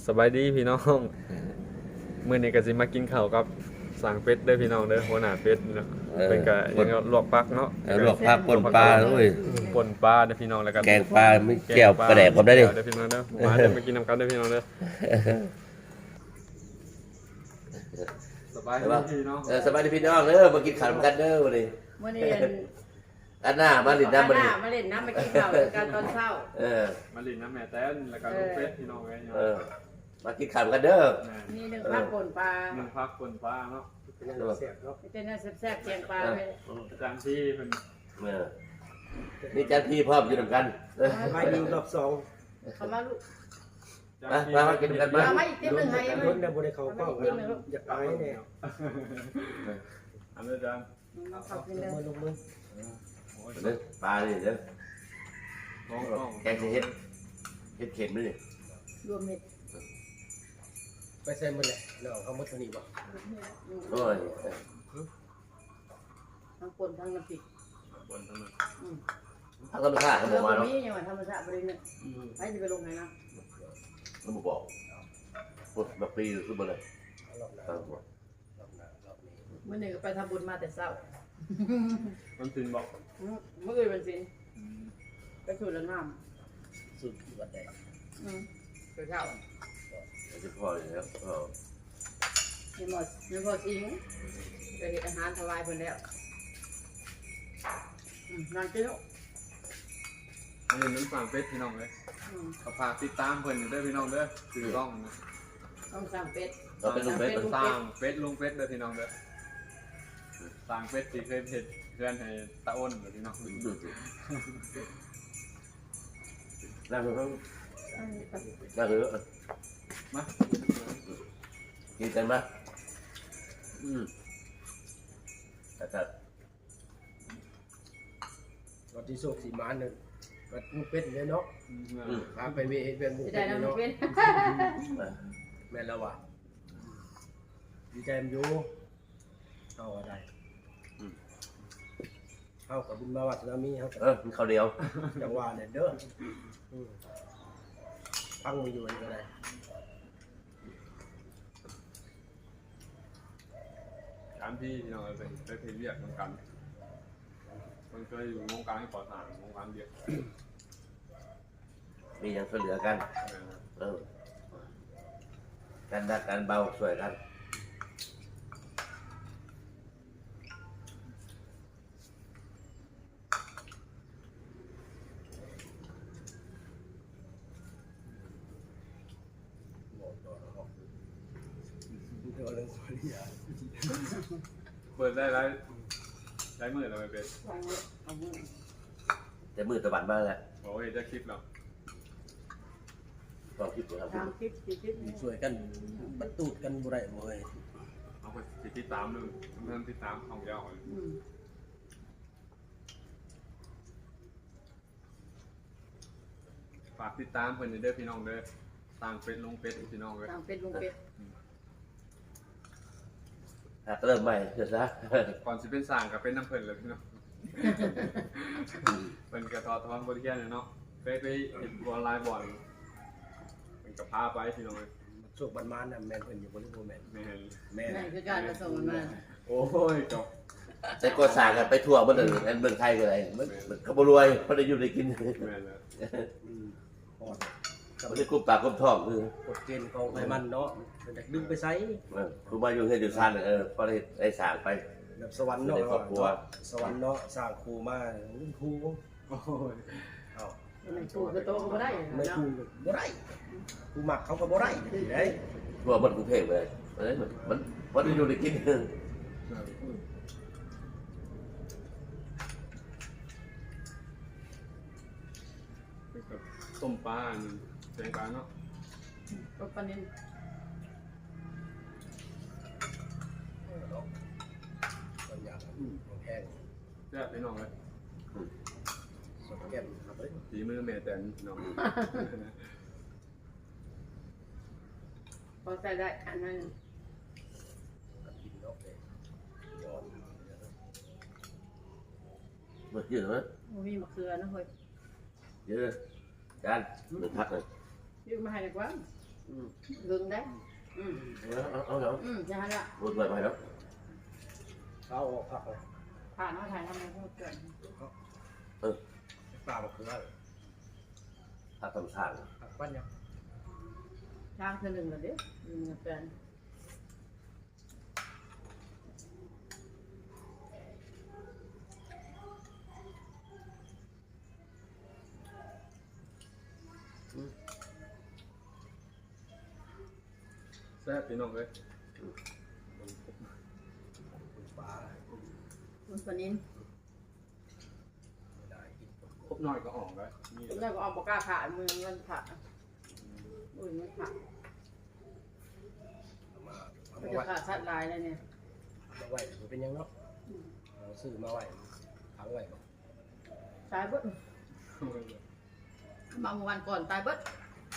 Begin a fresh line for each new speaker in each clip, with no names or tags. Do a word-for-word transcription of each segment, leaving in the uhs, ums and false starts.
สบายดีพี่น้องมื้อนี้ก็สิมากินข้าวกับสั่งเป็ดเด้อพี่น้องเด้อหัวหน้าเป็ดเนาะ
เออ
เป็นก็ยังลวกปักเนาะ
เออลวกผักป่นปลาด้วย
ป่นปลาเด้อพี่น้องแล้วก็
แกงปลาไม่แก้วปลาแดกผมได้ดิ
เด้อพี่น้องเด้อมาเด้อมากินน้ำกันเด้อพี่น้องเด้อสบายดีพี่น้อง
เออสบายดีพี่น้องเด้อมากินข้าวกันเด้อวันนี้
มื่อนี้
อันหน้ามาลินน้ำ
มา
มาลิน
มาเล่นน้ำมากินข้าวกันตอนเช้า
เออ
มาลินน้ำแม่แต้นแล้วก็ลูกเป็ดพี่น้องไว้เนาะ
เออมากินข้าวกันเด้อ
มีหนึ่งพักป่นปลา
หนึ่งพักป่นปลาเนาะ
เป็นเนื้อแซ่บๆเกียงปลาไป
อาจารย์ที่เพิ่น
เออนี่จันพี่พร้อมอยู่ด้วยกันเออ
ไปดีรอบสอง
เขามาลูก
มามามากินกันมา
มาอีกเต็มหนึ่งให้ไหม
รถเนี่ยบริเขาก็อยากไปเนี่ย
อันนี้อาจารย์
มาขับกินเลย
มือลงมือ
โอ้ย
เด้อปลาดิเด้อ
น้องน้อง
แกงสิเฮ็ดเฮ็ดเข็มนี่
รวมเม็ด
ไปใส่มือแหละเราเขามัดตัวนี้บ่
โอ้ย
ทั้งป่นทั้งน้ำพริก
บนถนน
พักธรรมชาติเขาบ
เรื่
อ
อก ง
มาเนาะ
นี้ยังไงธรรมชาติบริเวณไปจะไปลงไหนนะ
มันบอกพูดแบบปีขึ้นมาเลย
รอบหน้ารอบหน้ารอบนี้
เมื่อหนึ่งไปทำบุญมาแต่เช้า
มันสินบอก
เมื่อคืนเป็นสินไปถูแล้วน้
สุดวัดใด
ำอืมไปเช้า
จะพออยู่แล้วพอ
ยังหมดยังพอทิ้งไปเห็นอาหารถวายเพิ่นแล้วนอนกินลูก
อันนี้น้ำสั่งเป็ดพี่น้องเลยเขาพากติดตามเพิ่นอยู่เด้อพี่น้องเด้อถือกล้อง
ต้องสั่งเป็ด
เราเป็นลูกเบ็ด
ลูก
สร้างเป็ดลุงเป็ดเด้อพี่น้องเด้อสร้างเป็ดที่เคยเห็ดเพื่อนให้ตาอ้นเด้อพี่น้อง
นั่งเถอะนั่งเถอะ
มา
กินกันมาอืมแต่แต่
รถที่โชคสีมานเนี่ยก็ลูกเป็ดเลยเนาะพาไปเวทเป็นลูก
จะ
เป็
ได้
ด
น้ำ
เนาะ
เป็ด
แม่แล้วว่ะดีใจมันอยู่เอาอะไรเอากับบุญมาวัดนามีเขา
เออมีข้าวเดียว
จังหวะเนี่ยเด้อพังมืออยู่อีกอะไร
การที่พี่น้องเป็นไปเพลเรียกเหมือนกันมันเคยอยู่วงการก่อสร้างวงการเดียว
มีอย่างช่วยเหลือกันเออการดักการเบาช่วยกัน
เปิดได้ไรได้มือเราไปเป็น
แต่มือตะวันบ้างแหละ
โอ้ยจะคลิปเรา
ต้องคิดดูครับ
ทำคลิปสี่คลิป
ช่วยกันบรรทุกันบุไรบ่อย
เอาไปติดตามหนึ่งเริ่มติดตามของยาวฝากติดตามเพื่อนเด้อพี่น้องเด้อต่างเป็ดลงเป็ดพี่น้องเลย
ทำเป็ดลุงเป็ด
หากเริ่มใหม่เถอะซะ
ก่อนจะเป็นสร้างกับเป็นน้ำเพลินเลยพี่น้องเป็นกระทอทอนบริการเนาะไปไปเห็นออนไลน์บ่อยเป็นกระพาไปพี่น้องเลย
โชคบันมานน่ะแม่นเพิ่นอยู่บริโภคแม่น
ไม่เห็น
แม่
นั่นคือการผสมมันมา
โอ้ยจบ
แต่ก็สร้างกันไปทั่วบ้านอื่นอันเมืองไทยก็ได้มันมันเขาบรวยเขาได้อยู่ได้กิน
แม่เลย
อืมฮอด
เขาได้กุมปากกุมท้องคือก
ฎเกณฑ์ของไอ้มันเนาะมันจะดึงไปไส
เออคือมาอยู่เฮ็ดอยู่ซ่านเออพอได้ได้สร้างไป
แบบสวรรค์เนาะ
ในครอบครัว
สวรรค์เนาะสร้างครูมารุ่นครู
โอ้ย
เอ้า
ในตู้คือโตก็ได้
ไม่
เนาะ
ครูบ่ได้ครูมักเขาก็บ่ได้เด้
ทั่วบ้านกรุงเทพเลยมันมันมันมันได้อยู่ได้กิน
ต้มปลาแกงปลาเนาะ
ก็ปนิน
บางอย่างอืมของแห้ง
แซ่บพี่น้องเลย
สดแก้มครับเอ้ย
ฝีมือแม่แต่น้อง
พอใส่ได้อันนั้น
กินเนาะเด้ยอด
มันเยอะมั้ย
มีมะเขือนะเฮ้ย
เยอะจานหนึ่งพักเลย
ยืมมาให้ดีกว่า
อืม
ลึงได้อืม
เอาเอาเอา
อืมใช่ละ
พูดไปไปแล้ว
เอาออกผักออก
ผ่านเอาถ่ายทำไมพูดเกิน
ปลาบักเขือ
ถ้าทำสร้าง
ผักปั้นยัง
ช่างคือหนึ่งเลยเด้อหนึ่งกับแฟน
แซ่บพี่น้องเลย
ปลา
คุณปนิน
ไม่ได้กิน
ครบหน่อยก็ออกเลยนี่
แล้วก็เอาปากกาขามือเงินผักอุ้ยเงินผัก
เอามาเอา
มัน
มา
จะ
ไว้
ขาดชัดลายเลยเนี่ย
มาไว้มันเป็นยังเนาะเอาซื้อมาไว้ขังไว้บ่
ตายเบิดมาเมื่อวันก่อนตายเบิด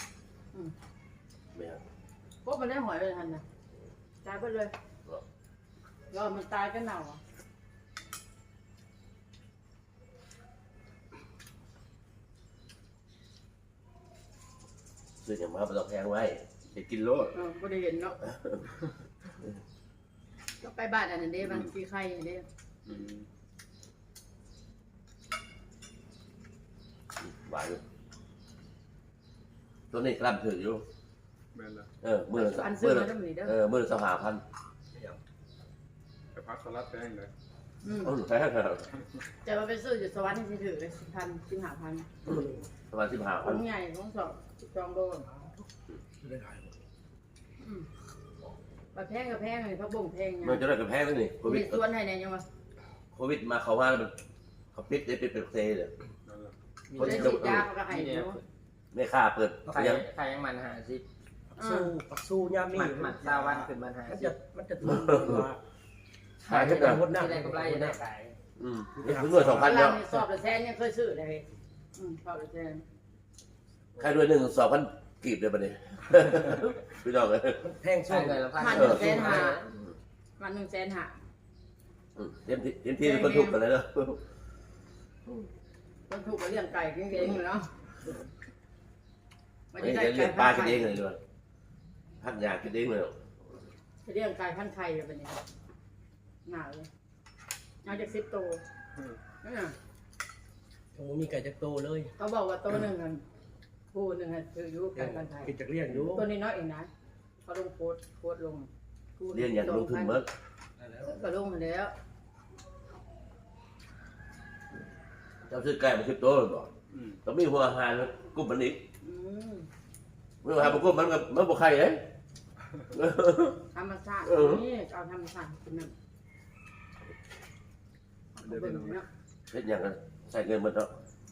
ไม่เอา
พวกมันได้หอยเลยทันนะตายเบิดเลยยอมมันตายก็เน่าอ่ะ
ซื้ออย่างมาไปต้องแพงไว้จะกินโลด
เออก็ได้เห็นเนาะก็ไปบ้านอันนั้นเด้บางทีใครเด้
อืม
หวานอยู่ตัวนี้กล้ามถืออยู่
แม่นละ
เออมือละ
อันซื้
มื
อ
อ
มา
ละ
ต้องมีเด้อ
เออมือละสหพันธ์
อย่าง
ไปพักสลัดแป้งเลย
อืม
โอ้หนูแพงครับ
จะมาไปซื้ออยู่สวรรค์ที่ถือเลยสิบพันสิบห้าพัน
ประมาณสิบห้า
ข
พั
อน งใหญ่ของสองจองโดน
ซื้อได้ขายหมด
อืมปลาแพงกับแพงเลยเขาบ่งแพงไง
มันจะได้กับแพงแล้วนี่โควิ
มี
ด
ส่วนให้เนี่ยยังวะ
โควิดมาเขาว่ามันเขาปิดได้เป็นเป็นเซเลย
นั่นแหละ
มีได้ฉีดยาเขาก็ให้เนาะ
ไม่ค่าเปิด
ใคร
ยัง
ใครยังมันหาสิ
ปักสู้ปักสู้ยามนี่
หมัดหมัดซาวันขึ้นมันหา
มัน
สิ
จะมันจะทุนว่า
ขายเท่าไหร่
หมดหน้า
ที่ได้กำไรได้ขาย
อืมถึงหน่วยสองพัน
เว
แล้
ลาว มีสอบละแสนยังเคยซื้อเลยอืมสอบละแสน
ใครด้วยหนึ่งสองพันกีบเลยบัดนี้ พี่น้องเลย
มันแพง
ใช่
สู้
เลยละพัน
มันหนึ่งแสนห้ามันหนึ่งแสนห้า
อืมเต็มที่เต็มที่เป็นคนทุกข์กันเลยเนาะ
ต้องถูกกับเลี้ยงไก่เก่งๆเลยเนาะ
ไม่ได้เลี้ยงปลากินเองเลยด้วยพักยากินเองเลย
เลี้ยงไก่พันไข่เลยเป็นยังหนาเลยเอาจากสิบตัวนั่นน่ะ
โอ้มีไก่จักโตเลย
เขาบอกว่าตัวหนึ่งอันคู่หนึ่งอันคืออยู่ไก่พันไข่
กินจากเลี้ยงอยู่
ตัวนี้น้อยเองนะเขาลงโพสต์โพสต์ลงคู่ห
เลี้ยงอย่างลงทุนเมื่อ
ก็ลงมาแล้ว
เจ้าซื้อไก่มาสิบตัวเลยบอก
อืม
ต้องมีหัวอาหารกุ้มมันอีก
อืม
หัวอาหารมันกุ้มมันกับมันบุกไข่เลย
ธรรมชาตินี่เอาธรรมชาติกินมัน
เดี๋ยว
เบิ่
พี่
ง
น้อง
เนาะ
เฮ็ดอย่างกันใส่เงินมันเนาะ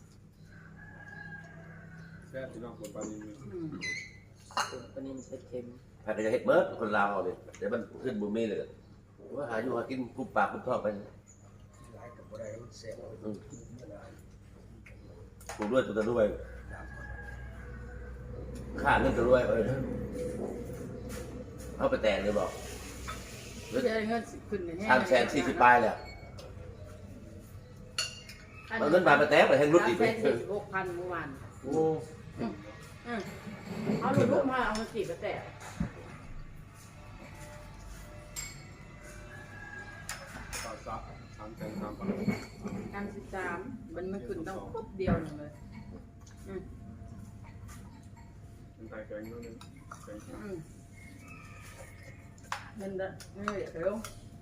แซ่บพี่น้องคนปลานิล
อืม
ตัวนี้มันเป็นเค็ม
ใครก็จะเฮ็ดเมื่อคนลาวเอาเนี่ยเดี๋ยวมันขึ้นบุมีเลยว่าหาอยู่หากินกุ้มปากกุ้มท้องไป
หลายกับบ่ได้มันแซ่บ
อืมปลูกด้วยตัวตะด้วยค่าเงินตะด้วยเอ้ยเอาไปแต่งเลยบอก
เดี๋ยวเงินขึ้นแน่
สามแสนสี่สิบปลายเลยเอาเงินบาทไปแต่งไปแทงรุดอีก
สามแสนสี่สิบหกพันเมื่อวาน
โอ้
อืมเอาลูกลูกมาเอามาจีบกระแตะ
ปลาซับสามแสนสามพัน
การสิบสามมันมันขึ้นต้องปุ๊บเดียวหนึ่งเลยอืม
เป็นไก่แกงนู่นนี่แกง
อืมเงินเด้อเงินเดี๋ยวลง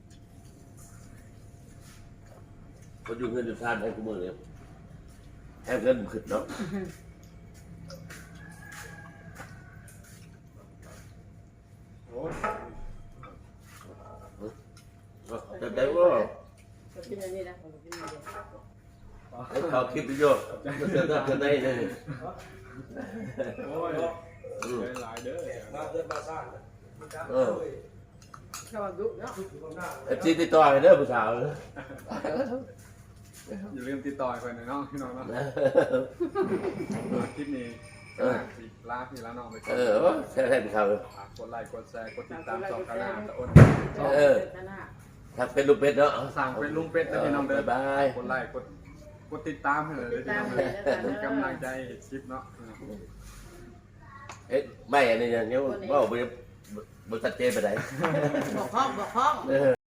คนอยู่เงินอยู่ทานให้กูมือเลยแอบเงินมันขึ้นเนาะ
โอ้ย
จะได้ว่า
ก็กินอันนี้นะผมกินอันนี้
ให้เขาคลิปวิดีโอจะเจอได้จะได้เลย
โอ้ยได้หลายเด้อ
มาเกินมาสร้าง
เออ
ชอบดุเนาะ
เอฟซีติดต่อให้เด้อผู้สาวเลย
อย่าลืมติดต่อไปหน่อยน้องพี่น้องเนาะคลิปนี้สิลาพี่ลาน้องไปก่อ
เอน อแค่แค่ผู้สาวเลย
กดไลค์กดแชร์กดติดตามช่องกันนะตะอ้น
เออ ถ้าเป็นลูกเป็ดเนาะ
สั่งเป็นลุงเป็ดนะพี่น้องเด้อ
บ๊ายบาย
กดไลค์กดกดติดตามให้เลยพี่น้องเด้อเป็นกำลังใจคลิปเนาะ
เอ๊ะไม่อันนี้ยังยังบ่บ่บ่ชัดเจนไปไหน
บอกห้องบอกห้อง
เออ